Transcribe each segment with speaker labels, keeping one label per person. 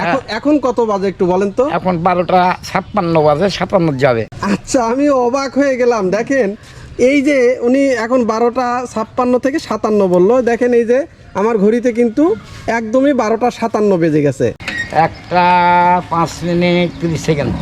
Speaker 1: এখন কত বাজে একটু বলেন তো?
Speaker 2: এখন 12:56 বাজে, 57 যাবে।
Speaker 1: আচ্ছা, আমি অবাক হয়ে গেলাম। দেখেন এই যে উনি এখন 12:56 থেকে 57 বললো, দেখেন এই যে আমার ঘড়িতে কিন্তু একদমই 12:57 বেজে গেছে।
Speaker 2: 1:05:30।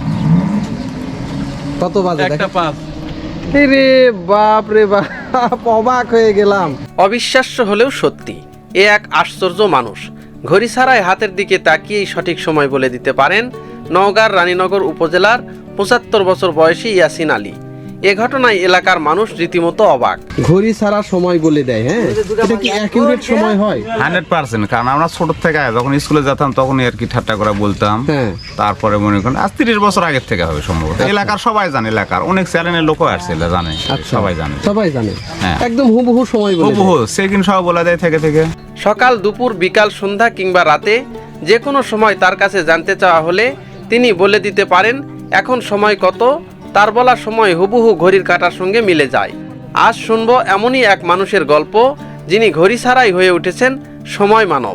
Speaker 1: কত বাজে? 1:05। রে বাপ রে বাপ, অবাক হয়ে গেলাম।
Speaker 3: অবিশ্বাস্য হলেও সত্যি, এ এক আশ্চর্য মানুষ। ঘড়ি ছাড়াই হাতের দিকে তাকিয়েই সঠিক সময় বলে দিতে পারেন নওগাঁর রানীনগর উপজেলার 75 বছর বয়সী ইয়াসিন আলী। এ ঘটনায় এলাকার মানুষ রীতিমতো অবাক।
Speaker 1: ঘড়ি ছাড়া সময় বলে দেয়, হ্যাঁ? এটা কি অ্যাকুরেট সময় হয়?
Speaker 4: 100%। কারণ আমরা ছোট থেকে যখন স্কুলে যেতাম তখনই আর কি ঠাট্টা করে বলতাম। তারপরে মনে করেন আজ 30 বছর আগের থেকে হবে সম্ভবত। এলাকার সবাই জানে, এলাকার অনেক চ্যানেলের লোকও আসছে, জানে, সবাই জানে,
Speaker 1: একদম হুবহু সময় বলে দেয়।
Speaker 4: হুবহু সেকেন্ড সহ বলা যায় থেকে।
Speaker 3: সকাল, দুপুর, বিকাল, সন্ধ্যা কিংবা রাতে যে কোনো সময় তার কাছে জানতে চাওয়া হলে তিনি বলে দিতে পারেন এখন সময় কত। তার বলা সময় হুবহু ঘড়ির কাঁটার সঙ্গে মিলে যায়। আজ শুনবো এমনই এক মানুষের গল্প, যিনি ঘড়ি ছাড়াই হয়ে উঠেছেন সময় মানব।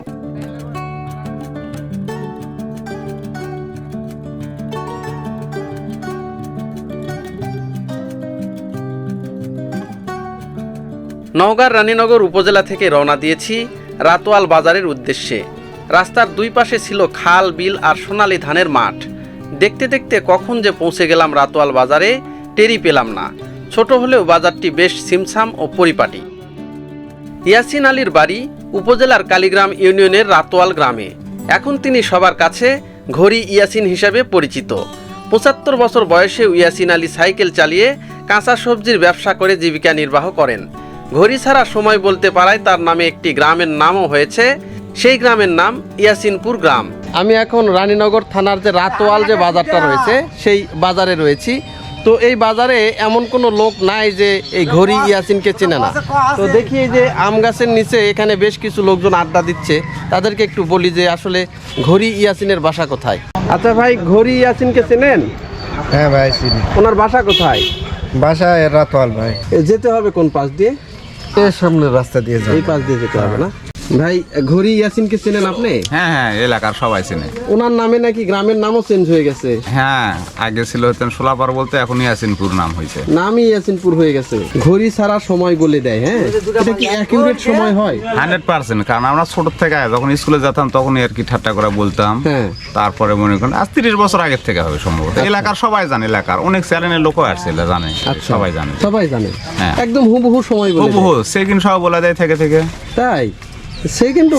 Speaker 3: নওগাঁর রানীনগর উপজেলা থেকে রওনা দিয়েছি রাতোয়াল বাজারের উদ্দেশ্যে। রাস্তার দুই পাশে ছিল খাল, বিল আর সোনালী ধানের মাঠ। দেখতে দেখতে কখন যে পৌঁছে গেলাম রাতোয়াল বাজারে টেরই পেলাম না। ছোট হলেও বাজারটি বেশ ছিমছাম ও পরিপাটি। ইয়াসিন আলীর বাড়ি উপজেলার কালীগ্রাম ইউনিয়নের রাতোয়াল গ্রামে। এখন তিনি সবার কাছে ঘড়ি ইয়াসিন হিসাবে পরিচিত। 75 বছর বয়সে ইয়াসিন আলী সাইকেল চালিয়ে কাঁচা সবজির ব্যবসা করে জীবিকা নির্বাহ করেন। ঘড়ি ছাড়া সময় বলতে পারায় তার নামে একটি গ্রামের নামও হয়েছে। সেই গ্রামের নাম ইয়াসিনপুর গ্রাম।
Speaker 1: আমি এখন রানীনগর থানার যে রাতোয়াল যে বাজারটা রয়েছে সেই বাজারে রয়েছি। তো এই বাজারে এমন কোনো লোক নাই যে এই ঘড়ি ইয়াসিনকে চেনে না। তো দেখি এই যে আম গাছের নিচে এখানে বেশ কিছু লোকজন আড্ডা দিচ্ছে। তাদেরকে একটু বলি যে আসলে ঘড়ি ইয়াসিনের বাসা কোথায়। আচ্ছা ভাই, ঘড়ি ইয়াসিনকে চেনেন?
Speaker 5: হ্যাঁ ভাই চিনি।
Speaker 1: ওনার বাসা কোথায়?
Speaker 5: বাসা রাতোয়াল ভাই।
Speaker 1: যেতে হবে কোন পাশ দিয়ে?
Speaker 5: এর সামনের রাস্তা দিয়ে যাই।
Speaker 1: এই পাশ দিয়ে যেতে হবে না? ভাই, ঘড়ি ইয়াসিনকে চেনেন আপনি?
Speaker 4: হ্যাঁ, এলাকার সবাই চেনে।
Speaker 1: ওনার নামে নাকি গ্রামের নামও চেঞ্জ হয়ে গেছে।
Speaker 4: হ্যাঁ, আগে ছিল হতেন সোলাপার বলতে, এখন ইয়াসিনপুর নাম হয়েছে।
Speaker 1: নামই ইয়াসিনপুর হয়ে গেছে। ঘড়ি ছাড়া সময় বলে দেয়, হ্যাঁ? এটা কি অ্যাকুরেট সময় হয়?
Speaker 4: 100%। কারণ আমরা ছোট থেকে যখন স্কুলে যেতাম তখনই আর কি ঠাট্টা করে বলতাম। তারপরে মনে করেন আজ 30 বছর আগের থেকে হবে সম্ভবত। এলাকার সবাই জানে, এলাকার অনেক চ্যানেলের লোকও আসছে, জানে, সবাই জানে।
Speaker 1: একদম হুবহু সময় বলে দেয়।
Speaker 4: হুবহু সেকেন্ড সহ বলা যায় থেকে।
Speaker 1: তাই? সেকেন্ডও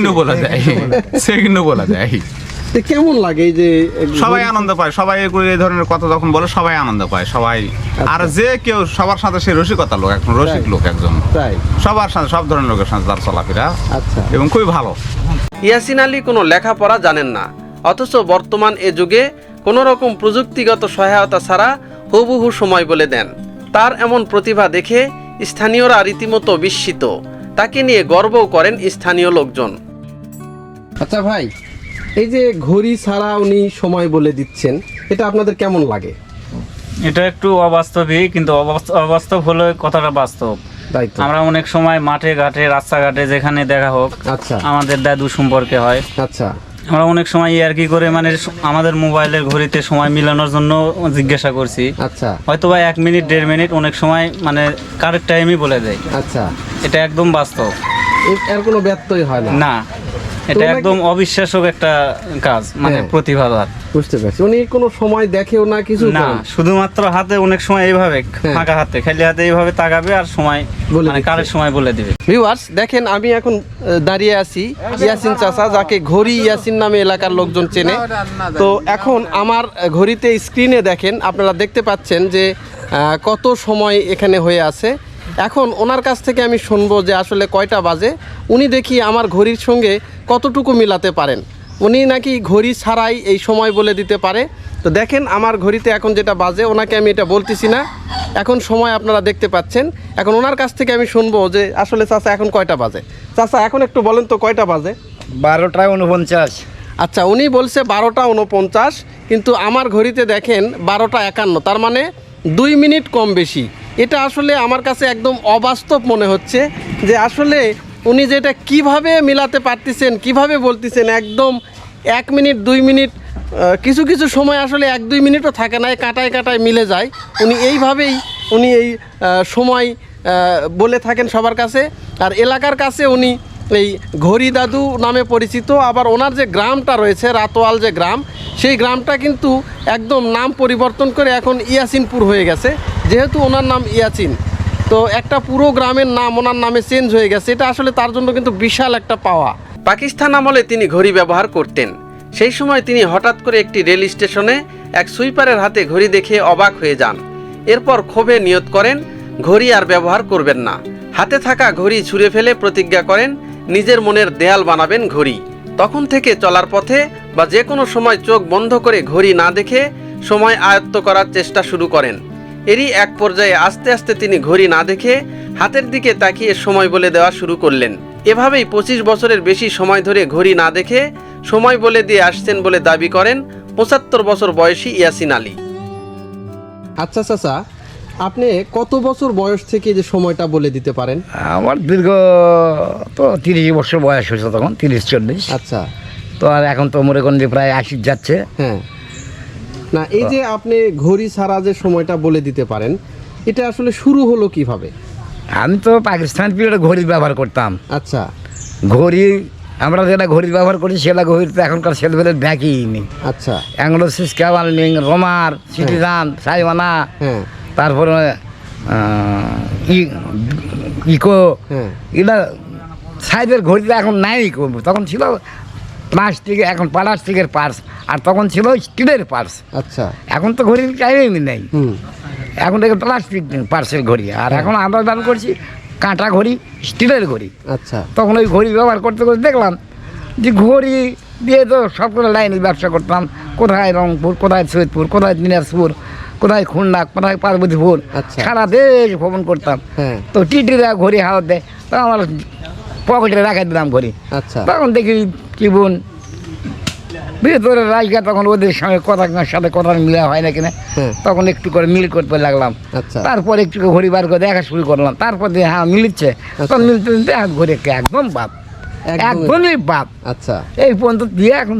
Speaker 4: বলা যায়।
Speaker 1: কেমন লাগে এই যে
Speaker 4: সবাই আনন্দ পায়, সবাই এই ধরনের কথা যখন বলে সবাই আনন্দ পায়, সবাই। আর যে কেউ সবার সাথে সে রসিকতা লোক, এখন রসিক লোক একজন, সবার সাথে সব ধরনের লোকের সাথে তার চলাফেরা এবং খুবই ভালো।
Speaker 3: ইয়াসিন আলী কোনো লেখাপড়া জানেন না, অথচ বর্তমান এ যুগে কোনো রকম প্রযুক্তিগত সহায়তা ছাড়া হুবহু সময় বলে দেন। তার এমন প্রতিভা দেখে স্থানীয়রা রীতিমতো বিস্মিত। তাকে নিয়ে গর্বও করেন স্থানীয় লোকজন।
Speaker 1: আচ্ছা ভাই, এই যে ঘড়ি ছাড়া উনি সময় বলে দিচ্ছেন, এটা আপনাদের কেমন লাগে?
Speaker 6: এটা একটু অবাস্তবই, কিন্তু অবাস্তব হলে কথাটা বাস্তব। আমরা অনেক সময় মাঠে ঘাটে, রাস্তাঘাটে যেখানে দেখা হোক, আমাদের দাদু সম্পর্কে হয়, আমরা অনেক সময় আর কি করে মানে আমাদের মোবাইলের ঘড়িতে সময় মিলানোর জন্য জিজ্ঞাসা করছি। হয়তো বা 1 মিনিট 1.5 মিনিট অনেক সময় মানে কারেক্ট টাইমই বলে দেয়। এটা একদম বাস্তব,
Speaker 1: এর কোনো ব্যত্যয় হয় না।
Speaker 6: এটা একদম অবিশ্বাস্য একটা কাজ, মানে প্রতিভা।
Speaker 1: বুঝতে পারছি। উনি কোনো সময় দেখেও না কিছু
Speaker 6: না, শুধুমাত্র হাতে অনেক সময় এইভাবে ফাঁকা হাতে, খালি হাতে এইভাবে তাকাবে আর সময় মানে কারেক্ট সময় বলে দিবে।
Speaker 1: ভিউয়ার্স দেখেন, আমি এখন দাঁড়িয়ে আছি ইয়াসিন চাচা, যাকে ঘড়ি ইয়াসিন নামে এলাকার লোকজন চেনে। তো এখন আমার ঘড়িতে স্ক্রিনে দেখেন, আপনারা দেখতে পাচ্ছেন যে কত সময় এখানে হয়ে আছে। এখন ওনার কাছ থেকে আমি শুনবো যে আসলে কয়টা বাজে। উনি দেখি আমার ঘড়ির সঙ্গে কতটুকু মিলাতে পারেন। উনি নাকি ঘড়ি ছাড়াই এই সময় বলে দিতে পারে। তো দেখেন আমার ঘড়িতে এখন যেটা বাজে, ওনাকে আমি এটা বলতেছি না, এখন সময় আপনারা দেখতে পাচ্ছেন। এখন ওনার কাছ থেকে আমি শুনবো যে আসলে চাচা এখন কয়টা বাজে। চাচা এখন একটু বলেন তো কয়টা বাজে?
Speaker 5: 12:49।
Speaker 1: আচ্ছা, উনি বলছে 12:49, কিন্তু আমার ঘড়িতে দেখেন 12:51, তার মানে 2 মিনিট কম বেশি। এটা আসলে আমার কাছে একদম অবাস্তব মনে হচ্ছে যে আসলে উনি যেটা কিভাবে মিলাতে পারতেছেন, কিভাবে বলতেছেন, একদম 1 মিনিট 2 মিনিট কিছু কিছু সময় আসলে 1-2 মিনিটও থাকে না, কাটায় কাটায় মিলে যায়। উনি এইভাবেই এই সময় বলে থাকেন সবার কাছে। আর এলাকার কাছে উনি এই ঘড়ি দাদু নামে পরিচিত। আবার ওনার যে গ্রামটা রয়েছে রাতোয়াল যে গ্রাম, সেই গ্রামটা কিন্তু একদম নাম পরিবর্তন করে এখন ইয়াসিনপুর হয়ে গেছে, যেহেতু ওনার নাম ইয়াসিন। তো একটা পুরো গ্রামের নাম ওনার নামে চেঞ্জ হয়ে গেছে, এটা আসলে তার জন্য কিন্তু বিশাল একটা পাওয়া।
Speaker 3: পাকিস্তান আমলে তিনি ঘড়ি ব্যবহার করতেন। সেই সময় তিনি হঠাৎ করে একটি রেল স্টেশনে এক সুইপারের হাতে ঘড়ি দেখে অবাক হয়ে যান। এরপর ক্ষোভে নিয়ত করেন ঘড়ি আর ব্যবহার করবেন না। হাতে থাকা ঘড়ি ছুঁড়ে ফেলে প্রতিজ্ঞা করেন নিজের মনের দেয়াল বানাবেন ঘড়ি। তখন থেকে চলার পথে বা যে কোনো সময় চোখ বন্ধ করে ঘড়ি না দেখে সময় আয়ত্ত করার চেষ্টা শুরু করেন। এরই এক পর্যায়ে আস্তে আস্তে তিনি ঘড়ি না দেখে হাতের দিকে তাকিয়ে সময় বলে দেওয়া শুরু করলেন। এভাবেই 25 বছরের বেশি সময় ধরে ঘড়ি না দেখে সময় বলে দিয়ে আসছেন বলে দাবি করেন 75 বছর বয়সী ইয়াসিন আলী।
Speaker 1: আচ্ছা চাচা, আপনি কত বছর বয়স থেকে যে সময়টা বলে দিতে পারেন?
Speaker 2: আমার দীর্ঘ তো 30 বছর বয়স হয়েছে, তখন 30-40।
Speaker 1: আচ্ছা।
Speaker 2: তো আর এখন তো মনে করেন যে প্রায় 80 যাচ্ছে।
Speaker 1: হ্যাঁ, না এই যে আপনি ঘড়ি ছাড়া যে সময়টা বলে দিতে পারেন, এটা আসলে শুরু হলো কিভাবে?
Speaker 2: আমি তো পাকিস্তান পিরিয়ডে ঘড়ি ব্যবহার করতাম।
Speaker 1: আচ্ছা।
Speaker 2: ঘড়ি আমরা যেটা ঘড়ি ব্যবহার করি সেটা ঘড়ি তো এখনকার ছেলেবেলের দেখেই নেই।
Speaker 1: আচ্ছা।
Speaker 2: অ্যাংলোসিস ক্যাভালিং, রোমার, সিটিজান, সাইওয়ানা,
Speaker 1: হ্যাঁ,
Speaker 2: তারপরে ইকো, এগুলা সাইজের ঘড়িটা এখন নাই। তখন ছিল প্লাস্টিক, এখন প্লাস্টিকের পার্স, আর তখন ছিল স্টিলের পার্স।
Speaker 1: আচ্ছা।
Speaker 2: এখন তো ঘড়ির টাইমই নেই, এখন থেকে প্লাস্টিক পার্সের ঘড়ি। আর এখন আমরা ব্যবহার করছি কাঁটা ঘড়ি, স্টিলের ঘড়ি।
Speaker 1: আচ্ছা।
Speaker 2: তখন ওই ঘড়ি ব্যবহার করতে করতে দেখলাম যে ঘড়ি দিয়ে তো সবগুলো লাইনে ব্যবসা করতাম। কোথায় রংপুর, কোথায় সৈয়দপুর, কোথায় দিনাজপুর, কোথায় খুলনা, কোথায় পার্বতীপুর, সারা দেশ ভ্রমণ করতাম। তো টিটিরা ঘড়ি হাওয়া দেয়, তো আমার পকেটে রাখাই দিলাম ঘড়ি।
Speaker 1: আচ্ছা।
Speaker 2: তখন দেখি জীবন ভিতরে রাজগা, তখন ওদের সঙ্গে সাথে কথা মিলা হয় না কিনা, তখন একটু করে মিল করতে লাগলাম। তারপর একটু ঘড়ি বার করে দেখা শুরু করলাম। তারপর দিয়ে হ্যাঁ মিলছে, তখন মিলতে মিলতে ঘড়ি একদম বাপ, একদমই বাপ।
Speaker 1: আচ্ছা।
Speaker 2: এই পর্যন্ত দিয়ে এখন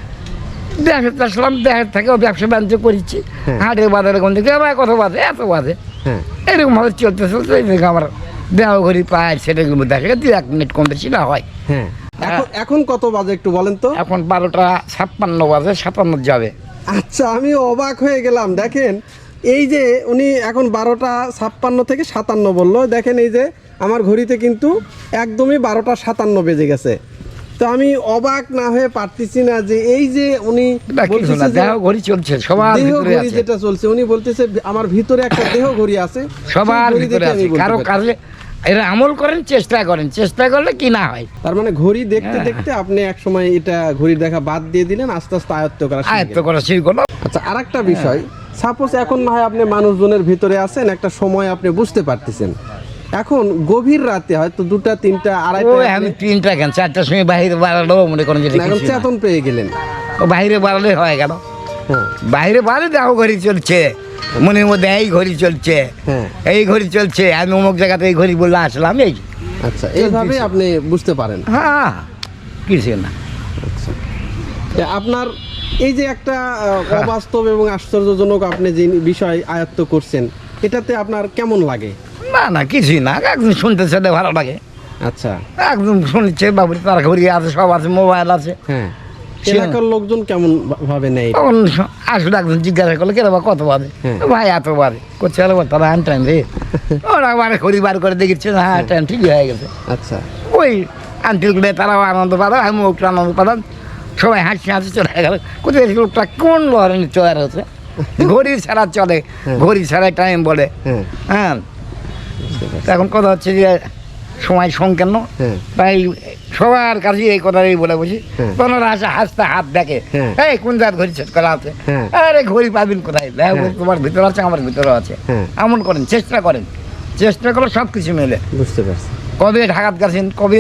Speaker 2: দেখাতে আসলাম, দেখার থেকেও ব্যবসা বাণিজ্য করেছি। হাটের বাজারে কোন দিকে আমার কত বাজে, এত বাজে, এরকম ভাবে চলতে চলতে আমার দেহ ঘড়ি পায়, সেটাগুলো দেখে 1 মিনিট কম বেশি না হয়।
Speaker 1: হ্যাঁ, এখন কত বাজে একটু বলেন তো?
Speaker 2: এখন 12:56 বাজে, 57 যাবে।
Speaker 1: আচ্ছা, আমি অবাক হয়ে গেলাম। দেখেন এই যে উনি এখন 12:56 থেকে 57 বললো, দেখেন এই যে আমার ঘড়িতে কিন্তু একদমই 12:57 বেজে গেছে। তো আমি অবাক না হয়ে পারতেছি না যে এই যে উনি
Speaker 2: দেহ ঘড়ি চলছে, সবার ভিতরে আছে,
Speaker 1: যেটা চলছে উনি বলতেছে আমার ভিতরে একটা দেহ ঘড়ি আছে,
Speaker 2: সবার ভিতরে আছে। কারো কাজে এরা আমল করেন, চেষ্টা করেন, চেষ্টা করলে কি না হয়।
Speaker 1: তার মানে ঘড়ি দেখতে দেখতে আপনি এক সময় এটা ঘড়ির দেখা বাদ দিয়ে দিলেন, আস্তে আস্তে আয়ত্ত করা শুরু করলো। আচ্ছা, আরেকটা বিষয়, সাপোজ এখন না হয় আপনি মানুষজনের ভিতরে আছেন, একটা সময় আপনি বুঝতে পারতেছেন, এখন গভীর রাতে হয়তো 2টা 3টা 2:30,
Speaker 2: আমি 3টা কেন 4টার সময় বাইরে বাড়ালো মনে করেন যে
Speaker 1: চেতন পেয়ে গেলেন,
Speaker 2: ও বাইরে বাড়ালে হয়ে গেল। বাইরে বাড়ে দেখো ঘড়ি চলছে, মনের মধ্যে এই ঘড়ি চলছে, এই ঘড়ি চলছে, আমি অমুক জায়গাতে এই ঘড়ি বললে আসলাম। এই
Speaker 1: আচ্ছা, এইভাবে আপনি বুঝতে পারেন।
Speaker 2: হ্যাঁ, কিছু না।
Speaker 1: আচ্ছা, আপনার এই যে একটা অবাস্তব এবং আশ্চর্যজনক আপনি যে বিষয় আয়ত্ত করছেন, এটাতে আপনার কেমন লাগে?
Speaker 2: না না, কিছুই না, একদম শুনতে শুনতে ভালো লাগে।
Speaker 1: আচ্ছা,
Speaker 2: একদম শুনছে বাবুর, তার ঘড়ি আছে, সব আছে, মোবাইল আছে।
Speaker 1: হ্যাঁ, এলাকার লোকজন কেমন ভাবে নেই?
Speaker 2: তখন আসলে একজন জিজ্ঞাসা করলো কেন কত বাজে, ভাই এত বাজে করছে, তারা আন টাইম রে, ওরা মানে ঘড়ি বার করে দেখেছে, হ্যাঁ টাইম ঠিকই হয়ে গেছে।
Speaker 1: আচ্ছা,
Speaker 2: ওই আন্টিলগুলো তারাও আনন্দ পাতাম, আমি ওটা আনন্দ পাতাম, সবাই হাসি হাসি চলে গেল। কোথায় লোকটা কোন ধরনের চয়ার হচ্ছে, ঘড়ি ছাড়া চলে, ঘড়ি ছাড়া টাইম বলে। হ্যাঁ, এখন কথা হচ্ছে যে সময় সংকীর্ণ, তাই সবার কাছে এই কথাই বলে বসি। তোমরা আসে হাসতে হাত দেখে, এই কোন জাত ঘড়ি সেট করা আছে, আরে ঘড়ি পাবেন কোথায়, তোমার ভিতরে আছে, আমার ভিতরে আছে। এমন করেন, চেষ্টা করেন, চেষ্টা করলে সব কিছু মেলে।
Speaker 1: বুঝতে পারছি।
Speaker 2: কবে ঢাকাত গেছেন, কবে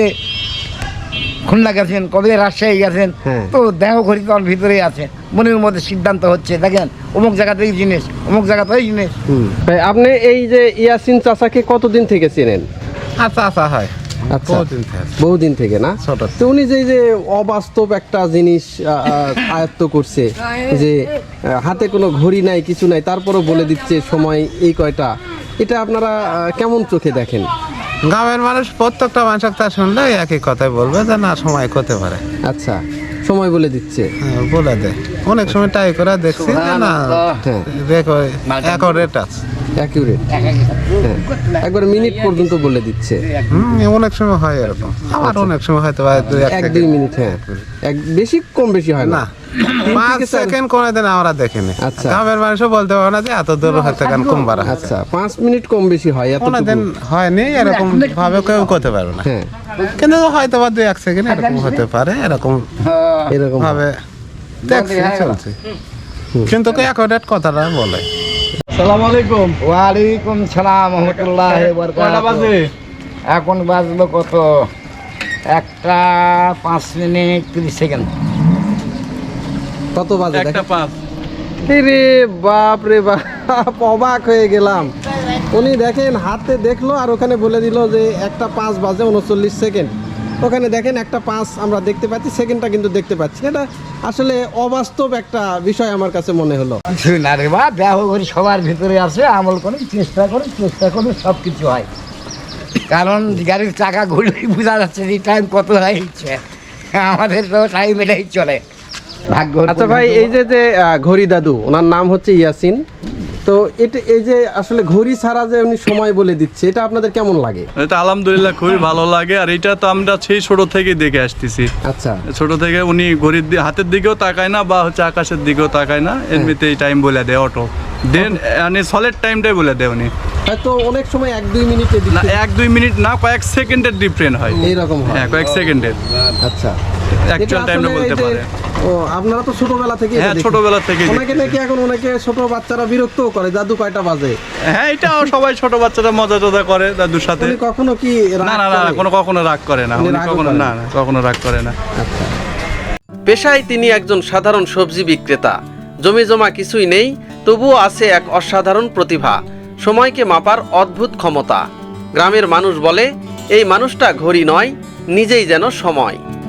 Speaker 2: খুলনা গেছেন, কবে রাজশাহী গেছেন, তো দেহ ঘড়ি তোমার ভিতরেই আছে, মনের মধ্যে সিদ্ধান্ত হচ্ছে, দেখেন অমুক জায়গাতে এই জিনিস, অমুক জায়গাতে ওই জিনিস।
Speaker 1: আপনি এই যে ইয়াসিন চাচাকে কতদিন থেকে চেনেন?
Speaker 5: আচ্ছা আচ্ছা, হয়
Speaker 1: আচ্ছা বহুদিন থেকে না তো উনি যে অবাস্তব একটা জিনিস আয়ত্ত করছে যে হাতে কোনো ঘড়ি নাই কিছু নাই তারপরও বলে দিচ্ছে সময় এই কয়টা, এটা আপনারা কেমন চোখে দেখেন?
Speaker 7: গ্রামের মানুষ প্রত্যেকটা মানুষ তা শুনলে একই কথাই বলবে যে না সময় করতে পারে।
Speaker 1: আচ্ছা সময় বলে দিচ্ছে,
Speaker 7: বলে দেয় অনেক সময় ট্রাই করে দেখছি যে না দেখো অ্যাকুরেট আছে।
Speaker 1: অ্যাকুরেট, একবার মিনিট পর্যন্ত বলে দিচ্ছে।
Speaker 7: অনেক সময় হয় এরকম, আবার অনেক সময় হয়তো
Speaker 1: 1-2 মিনিট, হ্যাঁ বেশি কম বেশি হয় না,
Speaker 7: 5 সেকেন্ড কোন দিন আমরা দেখিনি।
Speaker 1: আচ্ছা
Speaker 7: গ্রামের মানুষও বলতে পারে না যে এত দূর হতে কেন কম বাড়া।
Speaker 1: আচ্ছা 5 মিনিট কম বেশি হয়, এত
Speaker 7: কোন দিন হয়নি এরকম ভাবে কেউ করতে পারবে না।
Speaker 1: হ্যাঁ
Speaker 7: কিন্তু হয়তো বা 2-1 সেকেন্ড এরকম হতে পারে, এরকম ভাবে দেখছি চলছে, কিন্তু অ্যাকুরেট কথাটা বলে।
Speaker 1: আসসালামু আলাইকুম।
Speaker 2: ওয়ালাইকুম সালাম রহমতুল্লাহ বারাকাতুহু। এখন বাজলো কত? 1:05:30।
Speaker 1: কত বাজে? 1:05। রে বাপ রে বাপ, অবাক হয়ে গেলাম। উনি দেখেন হাতে দেখলো আর ওখানে বলে দিল যে 1:05 বাজে 39 সেকেন্ড। ওখানে দেখেন 1:05 আমরা দেখতে পাচ্ছি, সেকেন্ডটা কিন্তু দেখতে পাচ্ছি। এটা আসলে অবাস্তব একটা বিষয় আমার কাছে মনে হলো।
Speaker 2: না রে বা, দেহ করি সবার ভিতরে আছে, আমল করি, চেষ্টা করি সব কিছু হয়। কারণ গাড়ির চাকা ঘুরলেই বোঝা যাচ্ছে যে টাইম কত হয়েছে, আমাদের তো টাইম এটাই চলে ভাগ্য।
Speaker 1: আচ্ছা ভাই, এই যে ঘড়ি দাদু, ওনার নাম হচ্ছে ইয়াসিন, তো এটা এই যে আসলে ঘড়ি ছাড়া যে উনি সময় বলে দিচ্ছে, এটা আপনাদের কেমন লাগে?
Speaker 8: এটা আলহামদুলিল্লাহ খুবই ভালো লাগে, আর এটা তো আমরা সেই ছোট থেকেই দেখে আসতেছি।
Speaker 1: আচ্ছা
Speaker 8: ছোট থেকে উনি ঘড়ির হাতের দিকেও তাকায় না বা হচ্ছে আকাশের দিকেও তাকায় না, এমনিতেই টাইম বলে দেয় অটো দেন, মানে সলিড টাইমটাই বলে দেয় উনি।
Speaker 1: হয়তো অনেক সময় 1-2 মিনিটে
Speaker 8: না 1-2 মিনিট না, কয়েক সেকেন্ডের ডিফারেন্ট হয়,
Speaker 1: এইরকম হয়।
Speaker 8: হ্যাঁ কয়েক সেকেন্ডের।
Speaker 1: আচ্ছা
Speaker 8: অ্যাকচুয়াল টাইমটা বলতে পারে।
Speaker 1: ও আপনারা তো ছোটবেলা থেকে,
Speaker 8: হ্যাঁ ছোটবেলা থেকে
Speaker 1: অনেকে নাকি এখন অনেকে ছোট বাচ্চারা বিরক্তও করে, দাদু কয়টা বাজে।
Speaker 8: হ্যাঁ এটাও সবাই ছোট বাচ্চারা মজা টজা করে দাদুর সাথে।
Speaker 1: উনি কখনো কি
Speaker 8: না না না কখনো রাগ করে না, উনি কখনো না কখনো রাগ করে না।
Speaker 1: আচ্ছা
Speaker 3: পেশায় তিনি একজন সাধারণ সবজি বিক্রেতা। জমি জমা কিছুই নেই, তবুও আছে এক অসাধারণ প্রতিভা, সময়কে মাপার অদ্ভুত ক্ষমতা। গ্রামের মানুষ বলে এই মানুষটা ঘড়ি নয়, নিজেই যেন সময়।